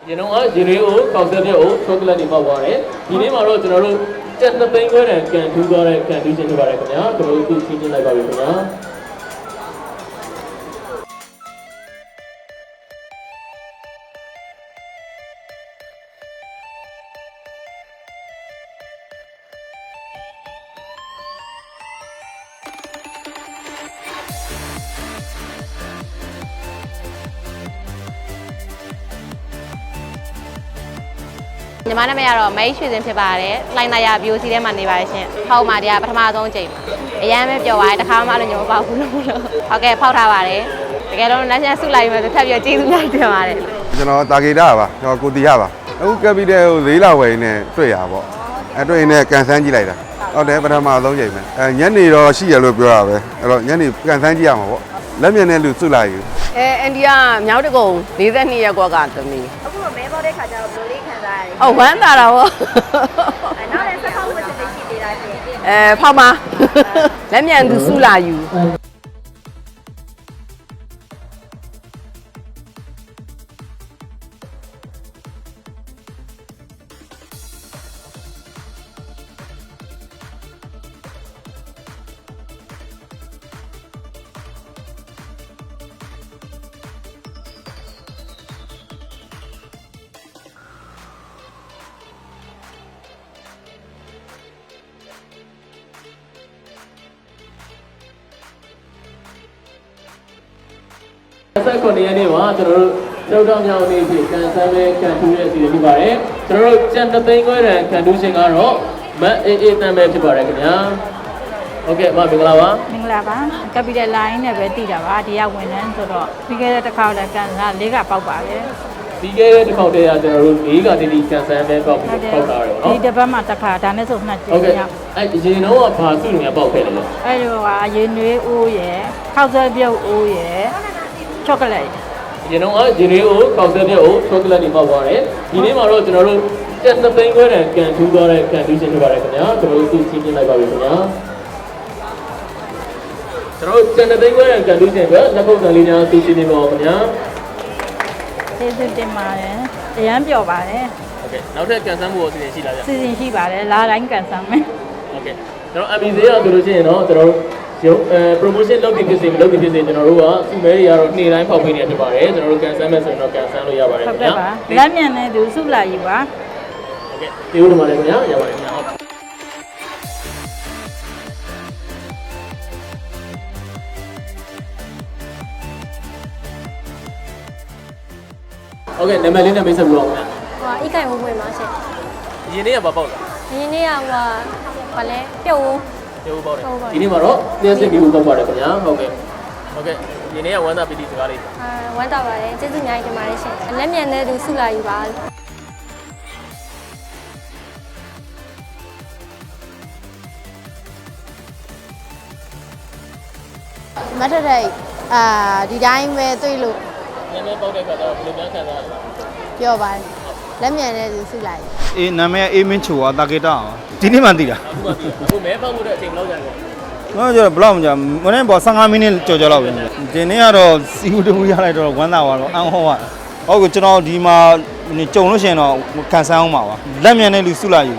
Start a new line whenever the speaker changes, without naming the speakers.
You know what? You know, concept chocolate in my water. You name our road, just the thing where I can do that, can do things about it. Go to teaching like a
ညီမနာမည်ကတော့မိတ်ရွှေစင်ဖြစ်ပါတယ်။လိုင်းနာရ BOC ထဲမှာနေပါတယ်ရှင်။ဖောက်မှာတရားပထမဆုံးအချိန်မှာအရန်ပဲပျော်ပါတယ်။တစ်ခါမှလည်းညမပေါက်ဘူးလို့ဟုတ်ကဲ့ဖောက်ထားပါတယ်။တကယ်တော့လက်ချက်ဆုလိုက်မယ်ဆိုထပ်ပြီးကျေးဇူးများတင်ပါတယ်။
ကျွန်တော်တာဂေတာပါကျွန်တော်ကိုတီရပါအခုကပီတယ်ကို၄လဝယ်နေတွေ့ရပါဘောတွေ့နေကန်ဆန်းကြည့်လိုက်တာဟုတ်တယ်ပထမဆုံးချိန်ပဲညနေတော့ရှိရလို့ပြောတာပဲအဲ့တော့ညနေကန်ဆန်းကြည့်ရမှာပေါ့လက်မြင်တဲ့လူစုလိုက်ယူ
အန်ဒီကမြောက်တကုံ42ရက်ကွက်ကသမီး
အခုမဲပေါက်တဲ့ခါကျတော့ဘယ်လိုလေးခံစားရလဲ
။ဝမ်းသာတာပေါ့
။နောက်လည်းစဖောက်ဝတ်စစ်ရှိသေးတာရှင်
။ဖောက်မှာလက်မြန်သူစုလာယူ
ဆက်ခွန်ရနေ့မှာကျွန်တော်တို့ကျောက်တော်မြောင်နေဖြစ်ကန်ဆန်းပဲကန်ထူးရဲ့အစီအစဉ်ဖြစ်ပါတယ်ကျွန်တော်တို့ကျန်တသိန်းခွဲတန်ကန်ထူးရှင်ကတော့မတ်အေးအေးတန်ပဲဖြစ်ပါတယ်ခင်ဗျာဟုတ်ကဲ့မင်္ဂလာပါ
မင်္ဂလာပါကပီတယ်လိုင်းနဲ့ပဲတည်တာပါဒီကဝန်ထမ်းဆိုတော့ပြီးခဲ့တဲ့တစ်ခါလည်းကန်ဆန်း၄ကပေါက်ပါတယ်
ပြီးခဲ့တဲ့တစ်ခေါက်တည်းကကျွန်တော်တို့၄ကတိတိကန်ဆန်းပဲပေါက်ထားတယ်ပေါ့နော်
ဒီတစ်ပတ်မှတစ်ခါဒါနဲ့ဆိုနှစ်ကြိမ်
ဟုတ်ကဲ့အဲ့ရင်တော့ဘာစုနေပေါက်ခဲ့တယ်လဲ
အဲ့လိုကရေနွေးအိုးရယ်ခောက်ဆွဲပြုတ်အိုးရယ်ချောကလက်
ရင်တော့ရင်လေးကိုကောက်ဆက်ပြို့ချောကလက်တွေပေါက်သွားတယ်ဒီနေ့မှာတော့ကျွန်တော်တို့ကျက်သသိန်းခွဲတန်ကန်ထူးသွားတဲ့ကန်ထူးရှင်ဖြစ်ပါတယ်ခင်ဗျာကျွန်တော်တို့သူချင်းပြလိုက်ပါပြီခင်ဗျာကျွန်တော်ကျက်သသိန်းခွဲတန်ကန်ထူးရှင်ကလက်ခုပ်တန်လေးများသူချင်းပြပါဦးခင်ဗျာ
ကျေးဇူးတင်ပါတယ်အရန်ပျော်ပါတယ်
ဟုတ်ကဲ့နောက်ထပ်ကန်ဆန်းမှုအစီအစဉ်ရှိလားဗျ
စီစဉ်ရှိပါတယ်လာတိုင်းကန်ဆန်းမယ်
ဟုတ်ကဲ့ကျွန်တော် MBC ရဆိုလို့ရှိရင်တော့ကျွန်တော်ရုပ်promotion လုပ်ပြီးဖြစ်စေမလုပ်ပြီးဖြစ်စေကျွန်တော်တို့ကစုမဲတွေကတော့နေ့တိုင်းဖောက်ပေးနေဖြစ်ပါတယ်ကျွန်တော်တို့ကန်ဆန်းမဲ့ဆိုရင်တော့ကန်ဆန်းလို့ရပါတယ်ခင်ဗျာ
ဟုတ်ကဲ့ပါလက်မြန်တဲ့သူစုလာယူပါ
ဟုတ်ကဲ့ဒီဦးတို့မှာလည်းခင်ဗျာရပါတယ်ခင်ဗျာဟုတ်ကဲ့နာမည်လေးနဲ့မိတ်ဆက်ပြီးတော့ခင်ဗျာ
ဟိုအိတ်ကိုင်ဝဝင်ပါရှင်
ရင်းနေ့ကဘာပေါက်လဲ
ရင်းနေ့ကဘာလဲပြုတ်
ဒီဦးပေါက်တယ်ဒီနေ့မှာတော့လျှက်စစ်ပြီးဦးပေါက်ပါတယ်ခင်ဗျာဟုတ်ကဲ့ဒီနေ့ကဝမ်းသာပီတိစကားလေး
ဝမ်းသာပါတယ်ကျေးဇူးများတင်ပါတယ်ရှင်လက်မြန်တဲ့သူစုလာယူပါ
မထတဲ့ဒီတိုင်းပဲတွေ့လို့
နည်းနည်းပေါက်တဲ့ခါတော့ဘယ်လိုများခံစားရလဲ
ပြောပါတယ်လက်မြန်တဲ့သူစုလိုက်
အေးနာမည်အေးမင်းချိုတာကေတာဒီနေ့မှသိတာ
အခုမဲပေါက်မှုတဲ့အချိန်ဘယ်လောက်ကြာလဲ
ငါကျတော့ဘယ်လောက်မကြာမနေ့ပေါ်15မိနစ်ကြော်လောက်ပဲဒီနေ့ကတော့စီဦးတူရလိုက်တော့ဝမ်းသာသွားတော့အန်ဟောဟုတ်ကဲ့ကျွန်တော်ဒီမှာကြုံလို့ရှိရင်တော့ကန်ဆန်းအောင်ပါလက်မြန်တဲ့လူစုလိုက်ယူ